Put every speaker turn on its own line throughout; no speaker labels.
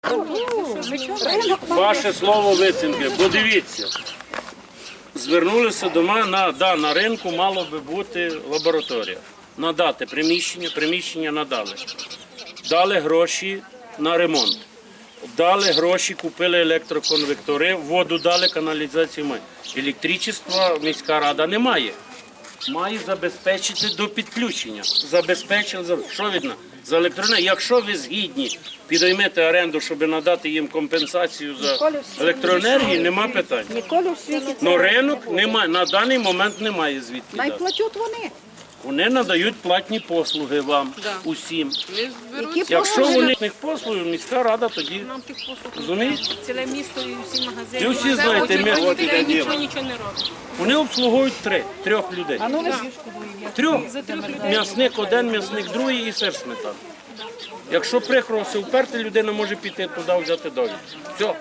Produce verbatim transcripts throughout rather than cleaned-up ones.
Ваше слово вицінки, бо дивіться, звернулися до мене, на, да, на ринку мало би бути лабораторія. Надати приміщення, приміщення надали. Дали гроші на ремонт. Дали гроші, купили електроконвектори, воду дали, каналізацію має. Електричества міська рада не має. Має забезпечити до підключення. Забезпечили, що видно? За електроенергію. Якщо ви згідні підіймете оренду, щоб надати їм компенсацію за електроенергію, нема питань.
Ніколи в світі
Но ринок немає, на даний момент немає звідки дати.
найплатять вони.
Вони надають платні послуги вам, усім.
Які
Якщо
послуги?
у них послуги, міська рада тоді, розумієте?
Ціле місто і всі магазини.
І всі знаєте, ми-
Вони
от іде
нічого, нічого не роблять.
Вони обслуговують три, трьох людей.
А ну ви
Трьох. М'ясник один, м'ясник другий і сир сметана. Якщо прикро все вперти, людина може піти туди, взяти долю. Все.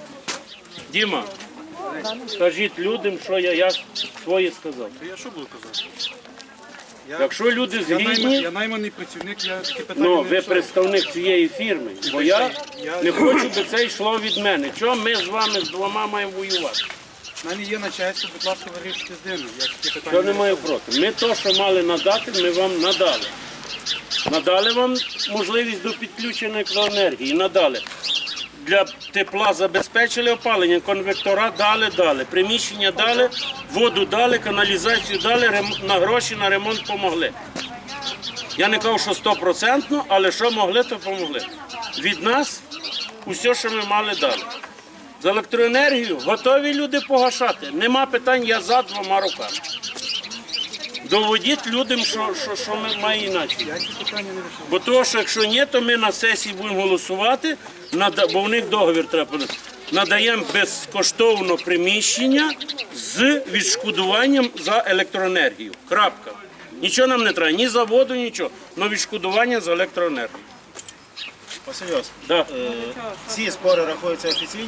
Діма, скажіть людям, що я, я своє сказав.
Я що буду казати? Я,
Якщо люди
я, найманий,
згідні,
я найманий працівник, я такі питання
ну,
не
ви
рішаю.
представник цієї фірми, бо я не хочу, щоб це йшло від мене. Чого ми з вами з двома маємо воювати?
У мене є начальство, будь ласка, вирішуйте з ними. Я такі питання
Що не маю проти. Ми то, що мали надати, ми вам надали. Надали вам можливість до підключення електроенергії. Надали. Для тепла забезпечили опалення, конвектора дали, дали, приміщення дали, воду дали, каналізацію дали, рем- на гроші на ремонт помогли. Я не кажу, що стопроцентно, але що могли, то помогли. Від нас усе, що ми мали, дали. За електроенергію готові люди погашати. Нема питань, я за двома руками. Доводіть людям, що, що, що ми маємо інакше.
Я ці питання не рішаю.
Бо того, що якщо ні, то ми на сесії будемо голосувати, нада- бо в них договір треба. подати. Надаємо безкоштовно приміщення з відшкодуванням за електроенергію. Крапка. Нічого нам не треба, ні за воду, нічого, але відшкодування за електроенергію.
Василь Йосипович,
Да.
е, ці спори рахуються офіційні?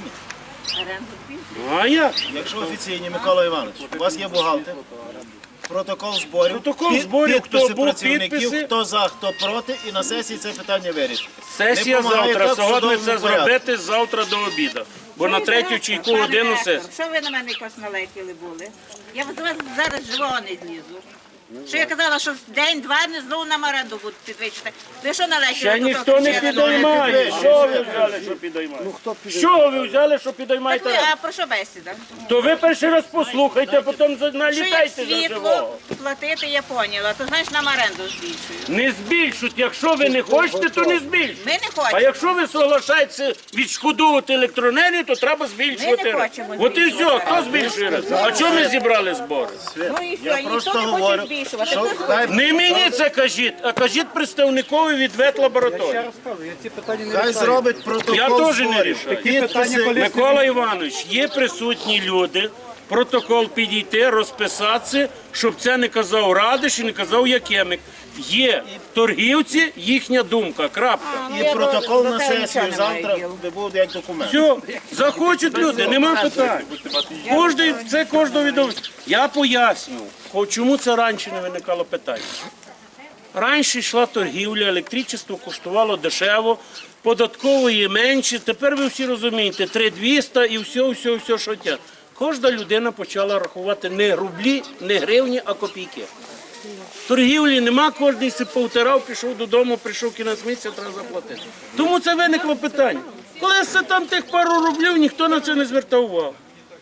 Ну, а як?
Якщо офіційні, Микола Іванович, у вас є бухгалтер, протокол зборів,
Протокол
під-
зборів,
підписи
хто був,
працівників,
підписи.
хто за, хто проти, і на сесії це питання вирішити.
Сесія
Не помагає
завтра,
так в
сьогодні
судовому
це
порядку.
зробити завтра до обіду. Бо на третю чи яку годину сесія.
Що ви на мене якось налетіли були? Я до вас зараз живого не злізу. Що я казала, що день-два не знову нам оренду будуть підвищити. Ви що налетіли?
Ще
до
ніхто
того,
не
що я
підіймає. Що ви взяли, що підіймаєте? Що ви взяли, що
Так ви,
підіймаєте?
а про що бесіда?
То ви перший раз послухайте, а потім за-
Що як
налітайте за
світло
живого.
платити, я поняла, то знаєш нам оренду збільшують.
Не збільшуть. Якщо ви не хочете, то не збільшуть.
Ми не
А
хочемо.
якщо ви соглашаєтеся відшкодовувати електроенергію, то треба збільшувати.
Ми не хочемо
От і все,
збільшувати.
хто збільшує? А чому ми зібрали збори?
Ну і
Я
все,
просто
ніхто не хоче
говорю,
збільшувати.
що
Ви
хай,
Не мені це кажіть, а кажіть представникові від
Я
ветлабораторії.
розказую, я ці питання не
хай
рішаю.
зробить протокол
Я теж не
зборів.
рішаю.
Такі питання,
Підписи.
коли-
Микола Іванович, є присутні люди, протокол підійти, розписатися, щоб це не казав Радиш і не казав Якимик. Є торгівці, їхня думка, крапка.
І протокол на
До тебе
сесію
нічого немає
завтра
діла.
де буде як документ.
Все, захочуть люди, нема питань. Кожний, це кожного відомо. Я поясню, ко- чому це раніше не виникало питання. Раніше йшла торгівля, електричество коштувало дешево, податкової менше. Тепер ви всі розумієте, три двісті і все, все, все, що тя. Кожна людина почала рахувати не рублі, не гривні, а копійки. Торгівлі нема, кожен си повтирав, пішов додому, прийшов кінець місяця, треба заплатити. Тому це виникло питання. Коли це там тих пару рублів, ніхто на це не звертав увагу.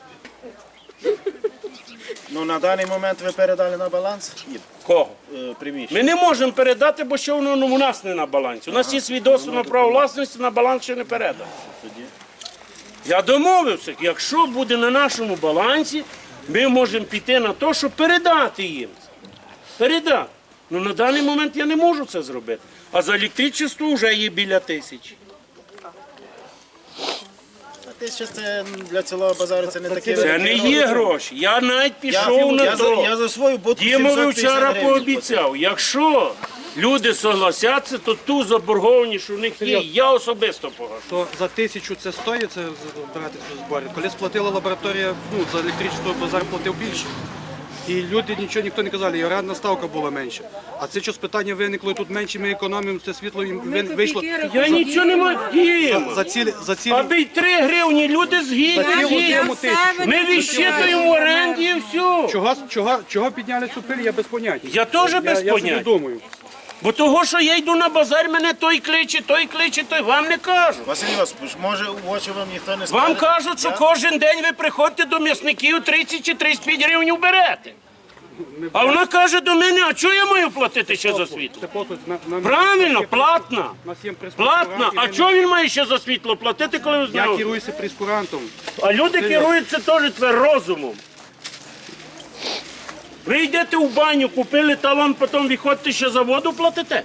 Ну на даний момент ви передали на баланс і,
Кого?
е, приміщення.
Ми не можемо передати, бо що воно ну, у нас не на балансі. У нас є свідоцтво на право власності, на баланс ще не передано. Я домовився, якщо буде на нашому балансі, ми можемо піти на те, щоб передати їм. Передати. Ну на даний момент я не можу це зробити. А за електричество вже є біля тисячі.
А ти ще це для цілого базару це не таке.
Це не є гроші. Я навіть
Я,
пішов на
я, за, я
то.
за свою будку
Дімові
сімсот п'ятдесят
вчора
гривень
пообіцяв, якщо люди согласяться, то ту заборгованість, що в них є, я особисто погашу.
То за тисячу це стоїть, це брати цю зборі. Коли сплатила лабораторія, ну, за електричество базар платив більше. І люди нічого ніхто не казали, і орендна ставка була менша. А це щось питання виникло, і тут менше ми економимо, це світло їм вин- вийшло.
Я нічого не маю. Діємо.
За цілі, за цілі,
Аби й три гривні, люди згідні.
за цілу
згідні.
зиму тисячу.
Ми відщитуємо в оренді і все.
Чого, чого, чого підняли цю пиль, я без поняття.
Я теж без
я, я собі
поняття.
думаю.
Бо того, що я йду на базар, мене той кличе, той кличе, той вам не кажу.
Василь Йосипович, може в очі вам ніхто не скаже?
Вам кажуть, що
Я-
кожен день ви приходите до м'ясників тридцять чи тридцять п'ять гривень берете. А вона каже до мене, а чого я маю платити ще за світло?
Це послуг, на, на,
Правильно, платна.
У нас є прес-конференція,
Платна. А
ми-
чого він має ще за світло платити, коли ви
Я
знаєте?
керуюся прескурантом.
А люди керуються теж тепер розумом. Ви йдете в баню, купили талон, потім виходите ще за воду платите?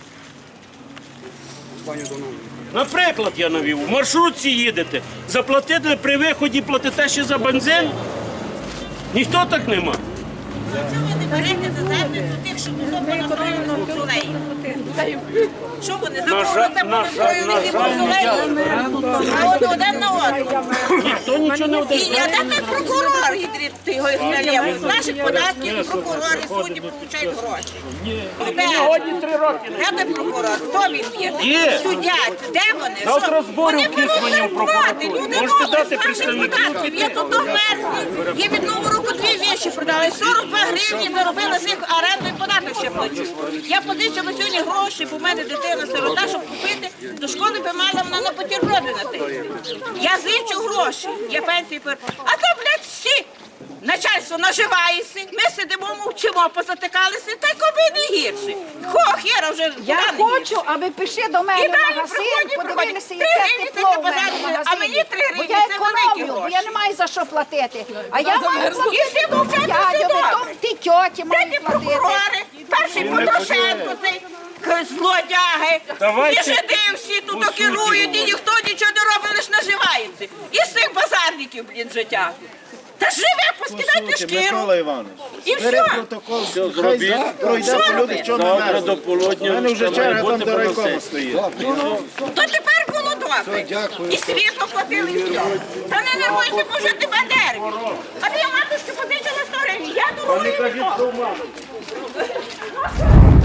Пані Донову.
Наприклад, я навів, в маршрутці їдете, заплатили при виході, платите ще за бензин? Ніхто так нема.
Чому ви не берете за задницю тих, що було понастроєно мавзолеїв? Що вони
На жаль,
заборонили
на жаль, на
ці
жаль,
мавзолеї? А от один на одному.
Ніхто нічого не
І
одержав.
не той прокурор, ти його ізмалєв. З наших податків прокурори, судді получають гроші.
Сьогодні три роки.
Де той прокурор? Хто він є?
Є.
Суддя. Де вони?
Завтра
Що?
збори
Вони
в Кіцмані в
беруть зарплати.
прокуратуру.
Люди
Можете
можуть
дати
з наших
представників
податків. Я тут мерзні. Я від Нового року дві віші продала. сорок два гривні заробила з них оренду і податок ще плачу. Я позичила сьогодні гроші, бо в мене дитина сирота, щоб купити. До школи би мала вона на бутерброди на те. Я зичу гроші. Я пенсії пер. А це, блядь, всі. Начальство наживається, ми сидимо, мовчимо, позатикалися, та й коби не гірше. Хо, хера вже.
Я
куди не
хочу, аби пішли до
І
мене в
далі
магазин,
приходять,
подивилися,
приходять.
яке
Три гривні
тепло
це
в мене в
позаду,
магазині.
а мені три
Бо
гривні
я
це великі
економлю, бо
гроші.
я не маю за що платити. А я маю
І
платити
всі
тому
мовчать,
дядю,
все добре.
тому ті тьоті
Де
мають
ті
платити.
прокурори? Перший Потрошенко, цей к- злодяги.
Давайте
І жиди всі тут
по суті
керують, і ніхто нічого не робить, лише наживається. І з цих базарників, блін, життя. Та живе, поскидайте
Послухайте,
шкіру.
Микола Іванович,
І
бери
все.
протокол,
зробіть.
хай пройде
Що
по люди,
робити?
що не
Завтра
мерзнуть.
до полудня
У мене вже
має
черга
бути
там до райкому
поносити.
стоїть.
То тепер було добре. І світло платили, і все. Та не нервуйся, бо вже ти бандери. А я матушки позичила сто гривень. Я дорогою не можу.